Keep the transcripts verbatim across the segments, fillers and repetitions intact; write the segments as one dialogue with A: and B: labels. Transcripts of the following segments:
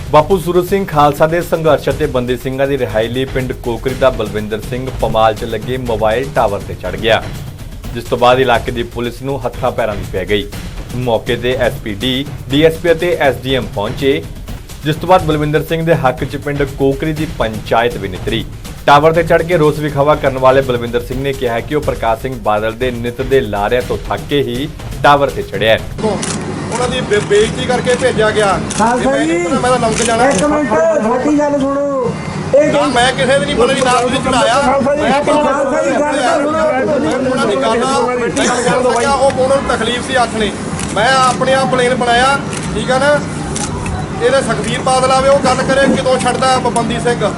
A: ਬਾਪੂ ਸੂਰਤ ਸਿੰਘ ਖਾਲਸਾ ਦੇ ਸੰਘਰਸ਼ ਅਤੇ ਬੰਦੀ ਸਿੰਘਾਂ ਦੀ ਰਿਹਾਈ ਲਈ ਪਿੰਡ ਕੋਕਰੀ ਦਾ ਬਲਵਿੰਦਰ ਸਿੰਘ ਪਮਾਲ 'ਚ ਲੱਗੇ ਮੋਬਾਈਲ ਟਾਵਰ ਤੇ ਚੜ੍ਹ ਗਿਆ, ਜਿਸ ਤੋਂ ਬਾਅਦ ਇਲਾਕੇ ਦੀ ਪੁਲਿਸ ਨੂੰ ਹੱਥਾਂ ਪੈਰਾਂ ਦੀ ਪੈ ਗਈ। ਮੌਕੇ ਤੇ S P D, D S P ਅਤੇ ਐਸ ਡੀ ਐਮ ਪਹੁੰਚੇ, ਜਿਸ ਤੋਂ ਬਾਅਦ ਬਲਵਿੰਦਰ ਸਿੰਘ ਦੇ ਹੱਕ 'ਚ ਪਿੰਡ ਕੋਕਰੀ ਦੀ ਪੰਚਾਇਤ ਵੀ ਨਿਤਰੀ। ਟਾਵਰ ਤੇ ਚੜ੍ਹ ਕੇ ਰੋਸ ਵਿਖਾਵਾ ਕਰਨ ਵਾਲੇ ਬਲਵਿੰਦਰ ਸਿੰਘ ਨੇ ਕਿਹਾ ਕਿ ਉਹ ਪ੍ਰਕਾਸ਼ ਸਿੰਘ ਬਾਦਲ ਦੇ ਨਿੱਤ ਦੇ ਲਾਰਿਆਂ ਤੋਂ ਥੱਕ ਕੇ ਹੀ ਟਾਵਰ ਤੇ ਚੜ੍ਹਿਆ ਹੈ।
B: ਉਹਨਾਂ ਦੀ ਬੇ- ਬੇਇੱਜ਼ਤੀ ਕਰਕੇ ਭੇਜਿਆ ਗਿਆ।
C: ਖਾਲਸਾ ਜੀ
B: ਮੈਂ ਤਾਂ ਲੰਘ ਜਾਣਾ।
C: ਇੱਕ ਮਿੰਟ ਛੋਟੀ ਗੱਲ ਸੁਣੋ। ਇਹ
B: ਨਾ ਮੈਂ ਕਿਸੇ ਦੀ ਨਹੀਂ ਬੋਲੀ, ਨਾ ਤੁਸੀਂ ਚੜਾਇਆ।
C: ਖਾਲਸਾ ਜੀ ਖਾਲਸਾ ਜੀ ਗੱਲ ਤਾਂ ਸੁਣੋ।
B: ਉਹਨਾਂ ਦੀ ਗੱਲ ਆ, ਉਹ ਉਹਨਾਂ ਨੂੰ ਤਕਲੀਫ ਸੀ ਹੱਥ ਨੇ। ਮੈਂ ਆਪਣੇ ਆਪ ਪਲੇਨ ਬਣਾਇਆ, ਠੀਕ ਆ ਨਾ। ਇਹਦੇ ਸੁਖਬੀਰ ਬਾਦਲ ਆਵੇ, ਉਹ ਗੱਲ ਕਰੇ ਕਿਦੋਂ ਛੱਡਦਾ ਬੰਦੀ ਸਿੰਘ।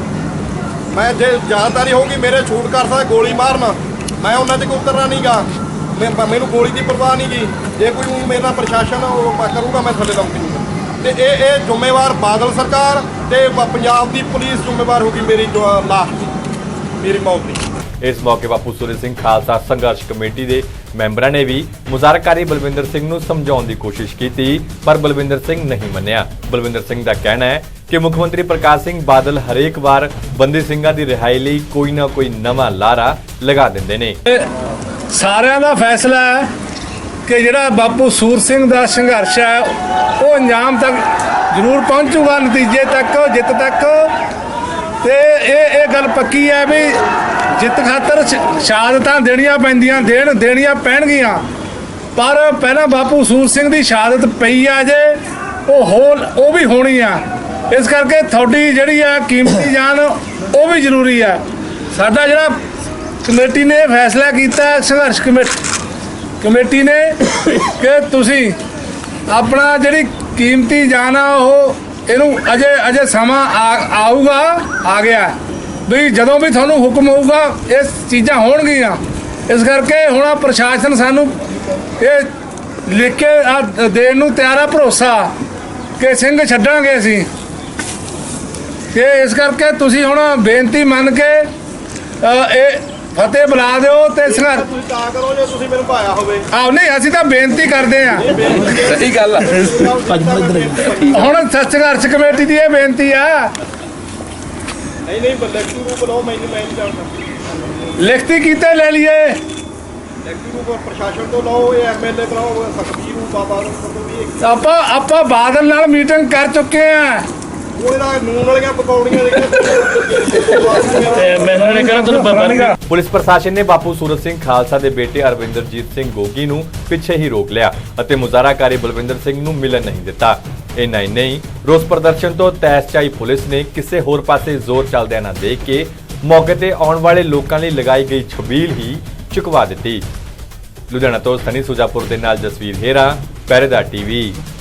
B: ਮੈਂ ਜੇ ਜ਼ਿਆਦਾਤਰੀ ਹੋਊਗੀ ਮੇਰੇ ਛੂਟ ਕਰ ਸਕਦਾ ਗੋਲੀ ਮਾਰਨ, ਮੈਂ ਉਹਨਾਂ ਤੇ ਕੋਈ ਉਤਰਨਾ ਨਹੀਂਗਾ। ਮੈਨੂੰ ਗੋਲੀ ਦੀ ਪਰਵਾਹ ਨਹੀਂ ਗੀ। ਜੇ ਕੋਈ ਮੇਰੇ ਨਾਲ ਪ੍ਰਸ਼ਾਸਨ ਉਹ ਕਰੂਗਾ ਮੈਂ ਥੱਲੇ ਲਾਉਂਗੀ। ਤੇ ਇਹ ਇਹ ਜ਼ਿੰਮੇਵਾਰ ਬਾਦਲ ਸਰਕਾਰ ਤੇ ਪੰਜਾਬ ਦੀ ਪੁਲਿਸ ਜ਼ਿੰਮੇਵਾਰ ਹੋਗੀ ਮੇਰੀ ਲਾਸ਼ ਦੀ, ਮੇਰੀ ਮੌਤ ਦੀ।
A: ਇਸ ਮੌਕੇ ਬਾਪੂ ਸੂਰਤ ਸਿੰਘ ਖਾਲਸਾ ਸੰਘਰਸ਼ ਕਮੇਟੀ ਦੇ ਮੈਂਬਰਾਂ ਨੇ ਵੀ ਮੁਜ਼ਾਹਰਾਕਾਰੀ ਬਲਵਿੰਦਰ ਸਿੰਘ ਨੂੰ ਸਮਝਾਉਣ ਦੀ ਕੋਸ਼ਿਸ਼ ਕੀਤੀ, ਪਰ ਬਲਵਿੰਦਰ ਸਿੰਘ ਨਹੀਂ ਮੰਨਿਆ। ਬਲਵਿੰਦਰ ਸਿੰਘ ਦਾ ਕਹਿਣਾ ਹੈ ਕਿ ਮੁੱਖ ਮੰਤਰੀ ਪ੍ਰਕਾਸ਼ ਸਿੰਘ ਬਾਦਲ ਹਰੇਕ ਵਾਰ ਬੰਦੀ ਸਿੰਘਾਂ ਦੀ ਰਿਹਾਈ ਲਈ ਕੋਈ ਨਾ ਕੋਈ ਨਵਾਂ ਲਾਰਾ ਲਗਾ ਦਿੰਦੇ ਨੇ।
D: ਸਾਰਿਆਂ ਦਾ ਫੈਸਲਾ ਹੈ ਕਿ ਜਿਹੜਾ ਬਾਪੂ ਸੂਰਤ ਸਿੰਘ ਦਾ ਸੰਘਰਸ਼ ਹੈ ਉਹ ਅੰਜਾਮ ਤੱਕ ਜ਼ਰੂਰ ਪਹੁੰਚੂਗਾ, ਨਤੀਜੇ ਤੱਕ, ਜਿੱਤ ਤੱਕ। ਤੇ ਇਹ ਇਹ ਗੱਲ ਪੱਕੀ ਹੈ ਵੀ ਜਿੱਤ ਖਾਤਰ ਸ਼ਹਾਦਤਾਂ ਦੇਣੀਆਂ ਪੈਂਦੀਆਂ, ਦੇਣ ਦੇਣੀਆਂ ਪੈਣਗੀਆਂ। ਪਰ ਪਹਿਲਾਂ ਬਾਪੂ ਸੂਰਤ ਸਿੰਘ ਦੀ ਸ਼ਹਾਦਤ ਪਈ ਆ, ਜੇ ਉਹ ਹੋ ਉਹ ਵੀ ਹੋਣੀ ਆ। ਇਸ ਕਰਕੇ ਤੁਹਾਡੀ ਜਿਹੜੀ ਆ ਕੀਮਤੀ ਜਾਨ ਉਹ ਵੀ ਜ਼ਰੂਰੀ ਆ। ਸਾਡਾ ਜਿਹੜਾ ਕਮੇਟੀ ਨੇ ਫੈਸਲਾ ਕੀਤਾ, ਸੰਘਰਸ਼ ਕਮੇਟੀ ਕਮੇਟੀ ਨੇ, ਕਿ ਤੁਸੀਂ ਆਪਣਾ ਜਿਹੜੀ ਕੀਮਤੀ ਜਾਨ ਆ ਉਹ ਇਹਨੂੰ ਅਜੇ ਅਜੇ ਸਮਾਂ ਆਊਗਾ, ਆ ਗਿਆ ਵੀ ਜਦੋਂ ਵੀ ਤੁਹਾਨੂੰ ਹੁਕਮ ਹੋਊਗਾ ਇਹ ਚੀਜ਼ਾਂ ਹੋਣਗੀਆਂ। ਇਸ ਕਰਕੇ ਹੁਣ ਪ੍ਰਸ਼ਾਸਨ ਸਾਨੂੰ ਇਹ ਲਿਖ ਕੇ ਦੇਣ ਨੂੰ ਤਿਆਰ ਆ, ਭਰੋਸਾ ਕਿ ਸਿੰਘ ਛੱਡਾਂਗੇ ਅਸੀਂ। ਕਿ ਇਸ ਕਰਕੇ ਤੁਸੀਂ ਹੁਣ ਬੇਨਤੀ ਮੰਨ ਕੇ ਇਹ ਫਤਿਹ ਬੁਲਾ ਦਿਓ ਤੇ ਸੰਘਰਸ਼
B: ਤੁਸੀਂ ਤਾਂ ਕਰੋ ਜੇ ਤੁਸੀਂ ਮੈਨੂੰ ਭਾਇਆ ਹੋਵੇ।
D: ਆਹ ਨਹੀਂ, ਅਸੀਂ ਤਾਂ ਬੇਨਤੀ ਕਰਦੇ ਆ।
B: ਸਹੀ ਗੱਲ ਆ।
D: ਹੁਣ ਸੰਘਰਸ਼ ਕਮੇਟੀ ਦੀ ਇਹ ਬੇਨਤੀ ਆ।
B: ਨਹੀਂ ਨਹੀਂ ਲਿਖਤੀ ਰੂਪ ਲਓ, ਮੈਨੂੰ ਮੈਂ ਨਹੀਂ ਜਾਣਦਾ।
D: ਲਿਖਤੀ ਕੀਤੇ ਲੈ ਲਈਏ,
B: ਲਿਖਤੀ ਰੂਪ ਪ੍ਰਸ਼ਾਸਨ ਤੋਂ ਲਓ, ਇਹ ਐਮ ਐਲ ਏ ਬਣਾਓ, ਸੁਖਬੀਰ ਨੂੰ ਬਾਬਾ ਨੂੰ ਵੀ
D: ਆਪਾਂ ਆਪਾਂ ਬਾਦਲ ਨਾਲ ਮੀਟਿੰਗ ਕਰ ਚੁੱਕੇ ਆ।
B: ਉਹਦਾ ਨੂਨ ਵਾਲੀਆਂ ਪਕੌੜੀਆਂ
A: ਪੁਲਿਸ ਪ੍ਰਸ਼ਾਸਨ ਨੇ ਬਾਪੂ ਸੂਰਤ ਸਿੰਘ ਖਾਲਸਾ ਦੇ ਬੇਟੇ ਅਰਵਿੰਦਰਜੀਤ ਸਿੰਘ ਗੋਗੀ ਨੂੰ ਪਿੱਛੇ ਹੀ ਰੋਕ ਲਿਆ ਅਤੇ ਮੁਜ਼ਾਹਰਾਕਾਰੀ ਬਲਵਿੰਦਰ ਸਿੰਘ ਨੂੰ ਮਿਲਣ ਨਹੀਂ ਦਿੱਤਾ। ਇੰਨਾ ਹੀ ਨਹੀਂ, ਰੋਸ ਪ੍ਰਦਰਸ਼ਨ ਤੋਂ ਤੈਸ 'ਚ ਆਈ ਪੁਲਿਸ ਨੇ ਕਿਸੇ ਹੋਰ ਪਾਸੇ ਜ਼ੋਰ ਚੱਲਦਿਆਂ ਨਾ ਦੇਖ ਕੇ ਮੌਕੇ ਤੇ ਆਉਣ ਵਾਲੇ ਲੋਕਾਂ ਲਈ ਲਗਾਈ ਗਈ ਛਬੀਲ ਹੀ ਚੁਕਵਾ ਦਿੱਤੀ। ਲੁਧਿਆਣਾ ਤੋਂ ਸਨੀ ਸੁਜਾਪੁਰ ਦੇ ਨਾਲ ਜਸਵੀਰ ਹੇਰਾ, ਪਹਿਰੇਦਾਰ ਟੀਵੀ।